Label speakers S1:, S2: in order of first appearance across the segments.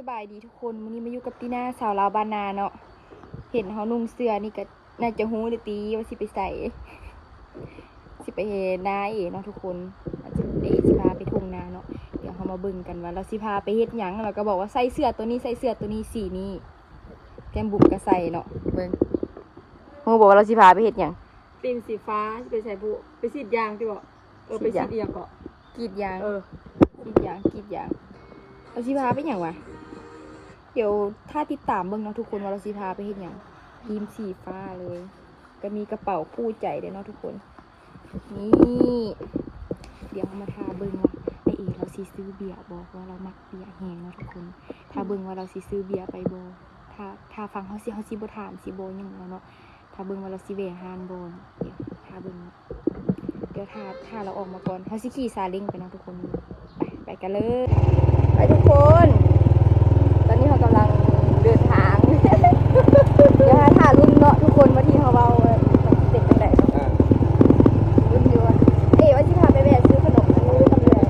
S1: บายดีทุกคนวันนี้มาอยู่กับตีน่าสาวลาวบ้านนาเนาะเห็นเขานุ่งเสื้อนี่ก็น่าจะหูเลยตีว่าสิไปใส่สิไปเห็นนาเนาะทุกคนอาจจะเดสิพาไปทุ่งนาเนาะเดี๋ยวเขามาเบิ่งกันว่าเราสิพาไปเฮ็ดหยังเราก็บอกว่าใส่เสื้อตัวนี้ใส่เสื้อตัวนี้สีนี้แก้มบุกก็ใส่เนาะเบิ่งเขาบอกว่าเราสิพาไปเฮ็ดหยัง
S2: ตีนสีฟ้าไปใส่บุไปสีดยางที่บอกไปสีดเอียงเกาะ
S1: กรีดยาง กรีดยางเราสิพาไปหยังวะเดี๋ยวถ้าติดตามเบิ่งเนาะทุกคนว่าเราสิพาไปเฮ็ดหยังทีมสีฟ้าเลย ก็มีกระเป๋าคู่ใจด้วยเนาะทุกคนนี่เดี๋ยวมาทาเบิ่งว่าไอเอเราสิซื้อเบียร์บอกว่าเรามักเบียร์แห้งเนาะทุกคนถ้าเบิ่งว่าเราสิซื้อเบียร์ไปบ่ถ้าฟังเขาสิบ่ถามสิบ่หยังแล้วเนาะถ้าเบิ่งว่าเราสิแวะฮานบ่เดี๋ยวถ้าเบิ่งเดี๋ยวถ้าเราออกมาก่อนเขาสิขี่ซาเล้งไปเนาะทุกคนไปกันเลยไปทุกคนตอนนี้เขากำลังเดินทาง เดี๋ยวถ่ายรุ่นเนาะทุกคนว่าที่เขาเบาเด็กกันไหนเนาะรุ่นอยู่ว่าว่าที่พาไปแวะซื้อขนมอันนี้ทำเลย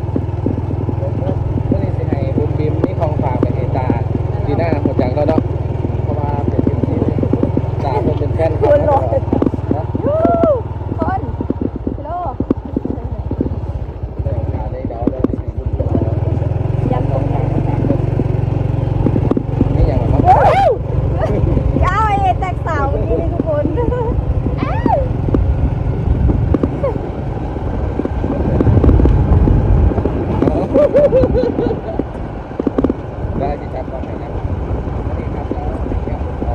S3: ก็เลยสิให้บุญบิมนี่ของฝากไปให้ตาที่หน้าหมดจังแล้วเนาะเพราะว่าเป็นบิมที่ตาเป็นแฟน
S1: คนรอ
S3: นะ
S1: คนโล
S3: ได้เดาได้สิบุญ
S1: ยันตรงไหน
S3: นี่อย่างไร
S1: ก้าวไอ้แตกสาวนี่ทุกคน
S3: ได้ที่ครับก็ให้ครับนี่ครับแล้วนี่ครับเอา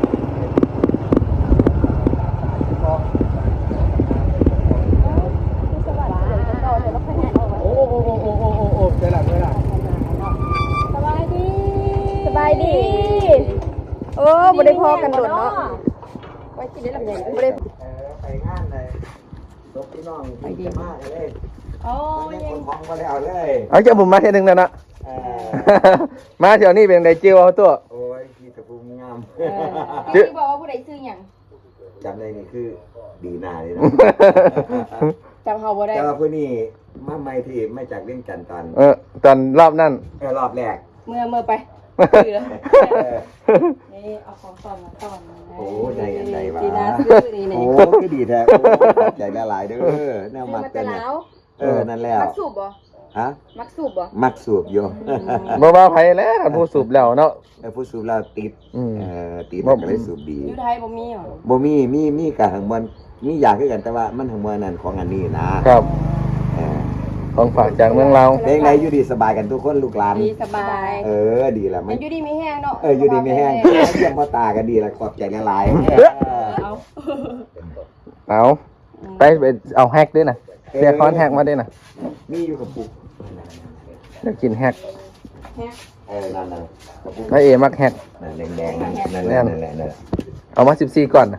S3: โอ้เดี๋ยวหลัง
S1: สบายดี โอ้บ่ได้พอกันโดดเนาะไว้กินได้ลำไยบ่ได้
S4: ไปงานเลยยกพี่น้องไปดีมากเลย
S2: โอ้ย
S4: คนท้องก็แล้วเลย
S3: เอาเจ้าผมมาเที่ยวนึงแล้วนะมาเที่ยวนี้เป็นไดจิวเอาตัว
S4: โอ้ยพี่ตะพูงาม
S1: ที่บอกว่าผู้ใดซื้อหยัง
S4: จำได้นี่คือดีนาเลยนะ
S1: จำเขาบ่ได้
S4: แต่ว่าผู้นี้มาใหม่ที่ไม่จากเรื่องจันตอน
S3: ตอนรอบนั้น
S4: รอบแรก
S1: เมื่อไปซื้อนี่เอาของตอนมาตอน
S4: โอ้ใจกันใจวะ
S1: จีน่าซื้อนี่
S4: โอ้
S1: นี่
S4: ก็ดีแท้โอ้ใจละลายเด้อแนวมัก
S1: แต่
S4: เป็นเนี่ย
S1: แล้ว
S4: นั่นแล้ว
S1: มักสูบบ่
S4: ฮะ
S1: มักสูบบ่
S4: มักสูบอยู่
S3: บ่ว่าไผแล้วผู้สูบแล้วเนาะ
S4: ผู้สูบเราติด
S3: อืม
S4: ติดแล้วก็เลยสูบดี
S2: อยู่ไทยบ่มีหรอ
S4: บ่มีกับหังมันมีอยากคือกันแต่ว่ามันหังมันนั่นของอันนี้นะครับ
S3: ของฝากจากเมืองเรา
S4: เพลงไหนอยู่ดีสบายกันทุกคนลูกหลาน
S2: ดีสบาย
S4: ดีละ
S2: มันอยู่ดีไม่แห้งเนาะ
S4: อยู่ดีไม่แห้งเยี่ยมพ่อตากันดีละขอบใจละลาย
S2: เอา
S3: เอาไปเอาแฮกด้วยนะเสียคอนแฮกมาด้วยนะ
S4: มีอยู่กับปุก
S3: จะกินแฮก
S4: นั่นกับปุก
S3: แล้วเอมักแฮก
S4: นั่นแดงนั่นแหละ
S3: เอามา14ก่อนนะ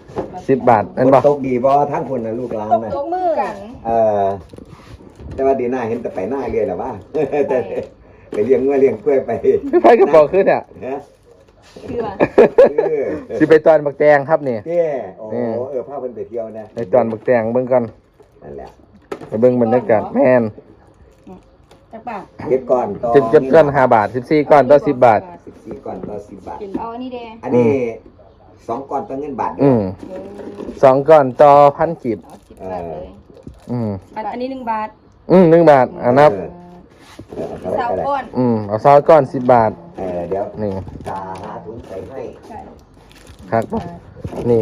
S3: 10 บาทนั่นบ่
S4: ตกดีบ่ทั้งคนนะลูกหลานนะ
S1: ยกมือกัน
S4: แต่ว่าดีหน้าเห็นแต่ไปหน้าเรียนหรอวะแต่ไปเลี้ยงงัวเลี้ยงกล้วยไป
S3: ไผกระบอกขึ้นอ่ะ
S1: คือว่า
S3: สิไปตอนบักแตงครับนี่
S4: เจ้โอ้พาเพิ่นไปเที่ยวนะ
S3: ไปตอนบักแตงเบิ่งก่อน
S4: นั่นแหละ
S3: ไปเบิ่งบรรยากาศแม่น
S2: จักบาท
S4: เก็บก่อนต่อ
S3: จะก้อน5 บาท14ก้อนต่อ10 บาท
S4: 14ก่อนต่อ10 บาท
S1: เอาอันนี้แดง
S4: อันนี้2ก่อนต่อเงินบาทเดียว
S3: 2ก้อนต่อ1,000กีบ
S1: เอา10 บาทเลย
S2: อันนี้1 บาท
S3: 1 บาทนับ
S1: สาวก้อน
S3: เอาซอสก้อน10 บาท
S4: เดี๋ยว
S3: นี่
S4: ตาหาถุงใส่ให้
S3: ครับนี่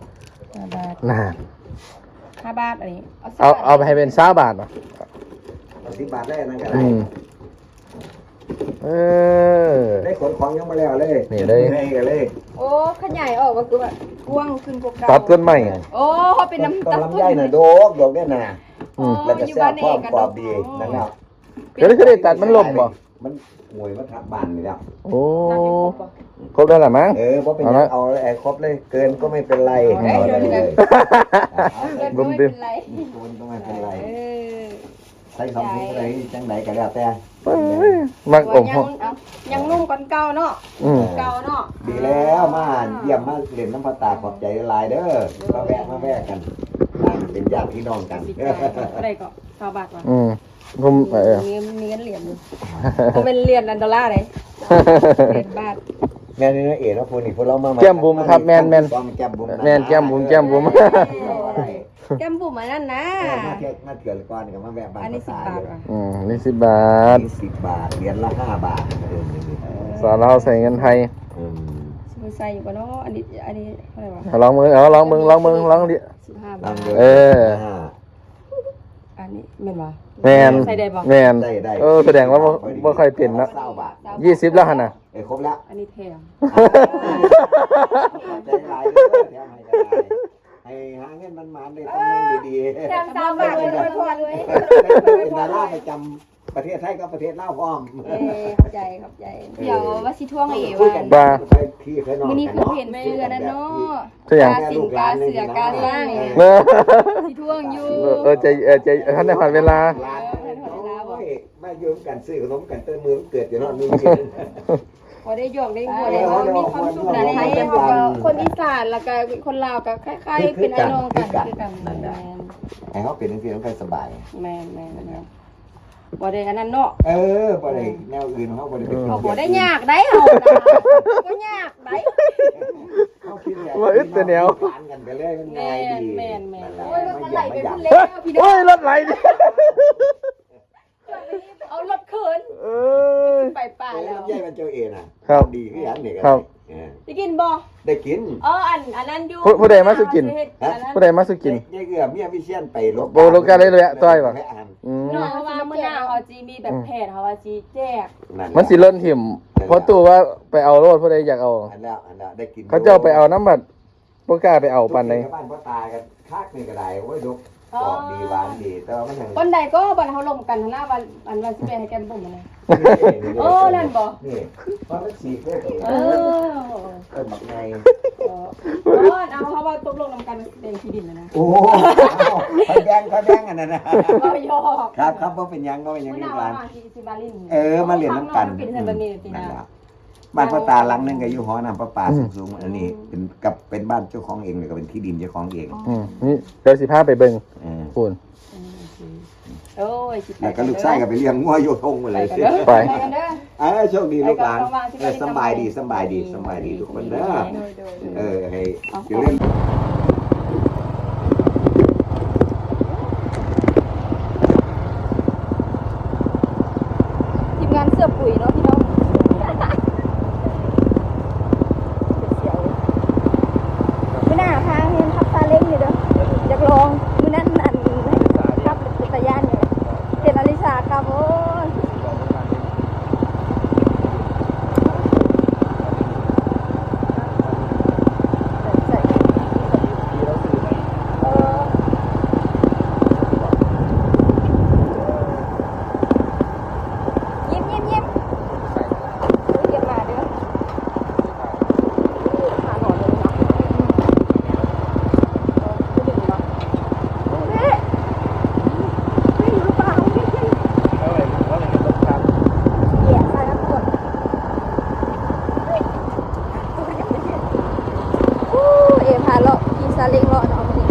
S2: 5 บาท
S3: น่า
S2: 5 บาทอันนี้
S3: เอาไปให้เป็น20 บาทเนาะ
S4: 10 บาทได้นั่นก็
S3: อื
S4: ได้
S3: ม
S4: ได้ขนของยังมาแล้วเลย
S3: นี่เลย
S4: ให้กันเลย
S1: โอ้ขยายออกว่าคือแบบกว้างขึ้นกว่าเก่า
S3: ตัดต้นใหม่
S1: โอ้เป็นน้ำ
S4: ต้
S1: ตั
S4: น
S1: ด
S4: ลำไยน่ะโดกได้น่ะ แล้วก็แซ่บพร้อมกรอบดีนะครับ
S3: เดี๋ยวได้ตัดมันล่มบ่
S4: มันหวยมาทับบ้านนี่แล้ว
S3: โอ้ครบแล้วล่ะมั้ง
S4: เพราะเป็นยังเอาไอ้ครบเลย เกินก็ไม่เป็นไรเอาเลย
S3: บุ้มบิ้ม
S1: เป็นไร
S4: มันก็ไม่เป็นไร
S1: เออ
S4: ใช้คำพูดอะไรจังไหนก็แล้วแต่
S3: มักอม
S2: ยังนุ่มกว่าเก่าเนาะ
S1: เก่าเนาะ
S4: ดีแล้วมาเยี่ยมมาเล่นน้ำพระตาขอบใจหลายเด้อมาแวะกันเป็นญาติพี่น้องกัน
S2: อะไรก็20 บาทว่ะ
S3: ผม
S2: มีเงินเหรียญอยู่มันเป็นเหรียญอันดอลลาร์เลย
S1: บาท
S4: แม่นี่นะเอ๋นะพูนี่พวกเรามา
S3: แก้มบุ๋มครับแม่น
S4: แก้มบุ๋ม
S3: แม่นแก้มบุ๋ม
S1: แก้มบุ๋มอันนั้นนะ
S4: มาเที่ยวก่อนกับมาแวะบ้าน
S1: อันนี้10 บาทว่ะ
S3: นี่10 บาท
S4: 10 บาทเหรียญละ5 บาทเดิมเลย
S3: สอนเราใส่เงินไทย
S1: สิใส่อยู่บ่เนาะอันนี้เท่าไหร่วะ
S3: ลองมือลองดิ
S1: 15 บาท
S3: เออ
S1: อันนี้แม่นบ่
S3: แมน
S1: ใส่ได้บ่
S3: แมนแสดงว่าบ่ค่อยเป็นเนาะ
S4: 20 บาท
S3: 20แล้วหั่นน่ะ
S4: ครบแล้ว
S1: อันนี้แถม
S4: ใจหลายเลยแถมให้ได้ให้หาเงินมันมาได้ตำแหน่งดีๆ
S1: แถม3 บาทเลยพอเลย
S4: เป็นดาราประจำประเทศไทยกับประเทศลาวพร้อม
S1: เข้าใจเดี๋ยวว่าสิท่วงให้เอว่า
S3: บ้า
S1: มื้อนี้คือเห็นเสื้อนั่นเนาะ
S3: เสื้อหยัง
S1: กาสิงกาเสือกาสร้าง
S3: เนอะ
S1: สิท่วงอยู่
S3: ใจท่านได้ผ่านเวลา
S4: มายืมกันซื้อขนมกันเติมมือเกิดอยู่นอนมือ
S1: พอได้หยอกได้หัวได้มีความสุขนะไทยเขาก็คนอีสานแล้วก็คนลาวก็คล้ายๆเป็นไอ้น้องกันคือกันแม่น
S4: ให้เขาเป็นที่ต้องการสบาย
S1: แม่นบ่ได้อันนั้นเนาะ
S4: บ่ได้แนวอื่นเขาบ่ได้เป็น
S1: เขาบ่ได้ยากได้เฮานะบ่ยากได้
S4: เขาคิดแบบ
S3: ว่าอึดแต่แนว
S4: ผ่านกันไปเลยมันง่ายดี
S1: แม่น
S4: โอ้
S1: โอ้
S4: ย
S1: ย
S4: มั
S1: มัน น
S4: ไห
S1: ไห
S4: ล
S1: ล
S4: ไป
S1: ไป
S4: พุ่
S1: พุ่
S4: น
S1: น
S4: แล้
S1: แล้ว วพี่น้
S3: โอ้
S1: อง
S3: ยรถไหลดิ
S1: เอารถเขิน
S3: เอ้ย
S1: ไปป่าแล้ว
S4: ใหญ่มันเจ้าเองน่ะ
S3: ครับ
S4: ดีคืออย่างนี้
S3: ครับ
S1: ได้กินบ่
S4: ได้กิน
S1: อันนั้นอยู่
S3: ผู้ใดมาสุกิน ผู้ใดมาสุกิน
S4: ยายเอื้อเมียวิเชียนไปลบ
S3: โบโลกาเลยอะต้อยว่ะ อืม
S1: เนาะว่ามื้อหน้าเขาจีมีแบบแพทย์เขาว่าจีแจก
S3: มันสิเล่นถิ่มเพราะตัวว่าไปเอารถผู้ใดอยากเอา
S4: อันแล้วได้กิน
S3: เขาเจ้าไปเอาน้ำบัดบ่กล้าไปเอาปันใด
S4: บ้านพ่อตากันคักนี่ก็ได้โอ้ยดกกรอบดีหวานดีแต่ว่ามันยัง
S1: วันใดก็บันเขาลงกันหน้าวันสิไปให้แกมบุ่มนะ โอ้นั่นบ่
S4: นี่เพราะมันสีเพื่อ
S1: เออ
S4: บักไง
S1: เอาเขาว่าตกลงนำกันเป็นที่ดินนะ
S4: โอ้เขาแบงอันนั้นนะ
S1: ก็ยอก
S4: ครับเพราะเป็นยังก็เป็นยัง
S1: มื้อห
S4: นี่
S1: น้า
S4: ร้าน
S1: มาสิบาลิน
S4: มาเรียนน้ำกัน
S1: กินเซนบันนี่ปีหน้า
S4: บ้านพ่อตาหลังนึงก็อยู่หอน้ำประปาสูงๆอันนี้เป็นบ้านเจ้าของเองเลยก็เป็นที่ดินเจ้าของเอง
S3: นี่เดี๋ยวสิพาไปเบิ่งพูน
S1: โอ้ย
S4: แล้วก็ลูกชายก็ไปเลี้ยงงัวโยทงหมดเลย
S3: ไป
S1: กันเด้อ
S4: โชคดีลูกหลานสบายดีทุกคนเด้อให้อยู่เล่น
S1: ทีมงานเสื้อปุ๋ยเนาะพี่น้องไม่น่าพาเห็นทับซาเล้งเลยเด้ออยากลองมื้อนั้นทับเป็นตะย่านเนี่ยเป็นอลิสาครับโอ้ยยิ้มเก็บมาเด้อหาหนอนเลยเนาะดึงเนาะเฮ้ยอยู่หรือเปล่าเหยียบใส่น้ำกรดเอ๋พาเลาะขี่ซาเล้งเลาะเนาะมื้อนี้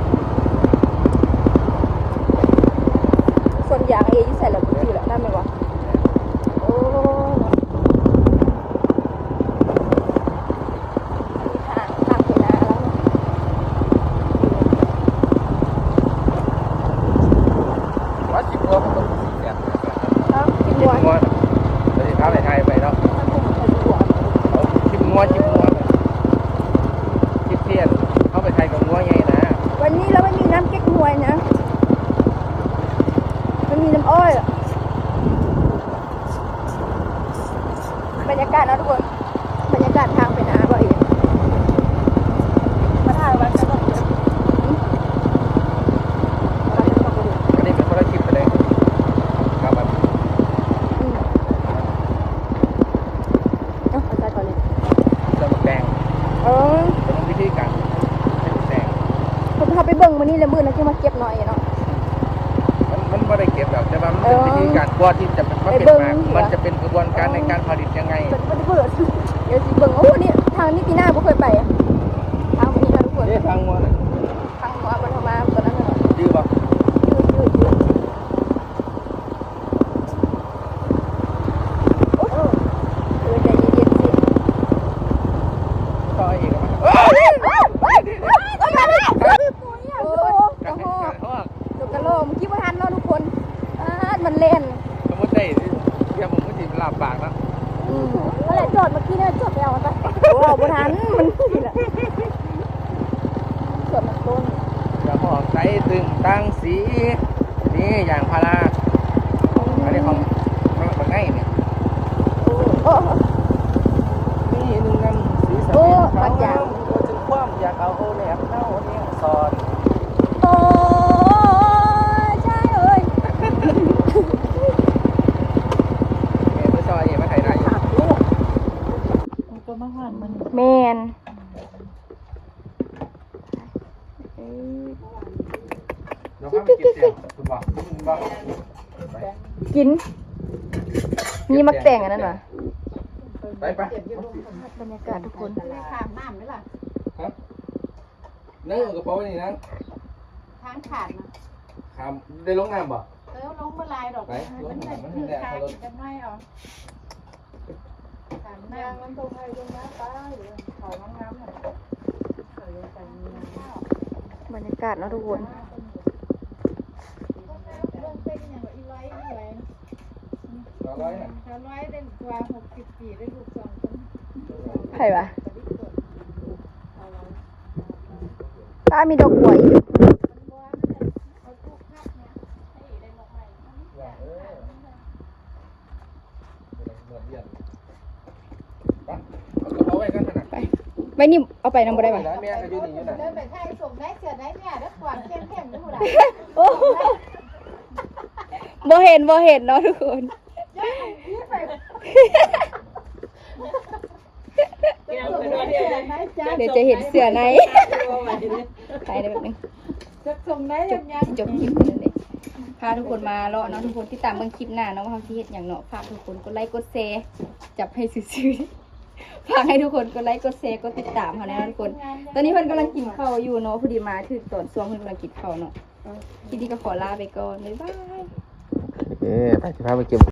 S1: ส่วนยางเอ๋อยู่ใส่แล้วบ่จืดแล้วนั่นแม่นบ่โอ้เนาะอันนี้ทางไปนาแล้วเนาะ
S3: ว่าสิบหัวมันต้องสีแดง
S1: เอ้ากิน
S3: ชิ
S1: หั
S3: ม
S1: ว
S3: งัวเดี๋ยวสิพาไปไทยไปเนาะ
S1: มันคงเป็นหัว
S3: เอาชิมงัวชิมเทียนเข้าไปไทยกับงัวไงนะ
S1: วันนี้เราไม่มีน้ำเก๊กฮวยนะมันมีน้ำอ้อยอะบรรยากาศนะทุกคนบรรยากาศทางไปนาบ่อยมาถ่ายวันกันก่อนเดี๋ยวเราจะมาดู
S3: อันนี้เป็นคนละคลิปไปเลยครับมัน
S1: เอาใจก่อนเลย
S3: เริ่มแดง
S1: เออ
S3: เป็นวิธีการแดง
S1: ผมพาไปเบิ่งมื้อนี้แล้วมื้อนั้นจะมาเก็บหน่อยเนาะ
S3: มันไม่ได้เก็บแบบแต่ว่ามันเป็นวิธีการกว่าที่จะมาเป็นมามันจะเป็นกระบวนการในการผลิตยังไง
S1: มันเบื่อเดี๋ยวสิเบิ่งโอ้นี่ทางนี้ปีหน้าบ่เคยไปอะทางนี้นะทุกคน
S3: นี่ทางงัวนะ
S1: ทางหัวมันเข้ามาตอนนั้นน่ะ
S3: ยืดป่ะ
S1: ยืดโอ้
S3: ลาบปากเนาะ
S1: นั่นแหละจอดเมื่อกี้เนี่ยจอดไปเอาไปโอ้บ่ทันมันนี่แหละสวนมันต้น
S3: อย่าพอกใจตึงตั้งสีนี่อย่างพาราอันนี้ของมันง่ายเนี่ย
S1: โอ้
S3: นี่หนึ่งน้ำสีสันเขาจึงคว่ำอยากเอาแหลมเท่าเนี่ยสอน
S1: โอ้ใช่เอ้ย
S3: เห็นไม่ซอยเห็นมาถ่ายได้อยู่
S2: ก็มาผ่านมัน
S1: แมน
S3: เดี๋ยวข้ามไปเก็บเสียงคุณบอกคุณบอก
S1: กินมีมักแต่งอันนั้นเหรอ
S3: ไปไป
S1: บรรยากาศทุกคน
S2: ข้ามน้ำไหมล่ะ
S3: ครับนั่งกระเป๋านี่นั่ง
S2: ทางขาดนะ
S3: ข้ามได้ลงน้ำบ่
S2: ลงมาลายดอก
S3: ไปลง
S2: มัน
S3: น้ำมัน
S2: คือ
S3: แดด
S2: ขา
S3: เขา
S2: ด
S3: ลง
S2: จะไม่เอาขามน้ำมันตรงไปตรงน้ำป้าหรือเขาน้ำน้ำหน่อยเขาเลยแต่มีน้ำข้าว
S1: บรรยากาศเนาะทุกคน
S2: เรื่องเต้นอย่างอีไว้อีไว้
S3: ร้อยน่ะ
S2: เขาไว้เล่นกว่า60 ปีได้ลูก2 คน
S1: ใครวะป้ามีดอกบัวอีก
S3: เหมือนเดียนไปเอากระเป๋าไว้กันขนาด
S1: ไปไว้นี่เอาไปนำบ่ได้ปะ
S3: แล้วแม่ก็อยู่นี่อยู่น่ะ
S2: เดินไปไทยส่งได้เสือได้เนี่ยแล้วกวาดเข้มๆด้วยหมด
S1: โอ้บ่เห็นเนาะทุกคน เดี๋ยวจะเห็นเสือในไปได้แบบนึง
S2: จะส่งได้ยังไง
S1: จบคลิปเลยเลยพาทุกคนมาเลาะเนาะทุกคนที่ตามเบิ่งคลิปหน้าเนาะว่าเขาสิเฮ็ดหยังเนาะฝากทุกคนกดไลค์กดแชร์จับให้ซื่อๆฝากให้ทุกคนกดไลค์กดแชร์กดติดตามเขานะทุกคน ตอนนี้เพิ่นกำลังกินข้าวอยู่เนาะพอดีมาถึงตอนช่วงเพิ่นกำลังกินข้าวเนาะทีนี้ก็ขอลาไปก่อนบ๊ายบาย
S3: โอเคไปสิพาไปเก็บ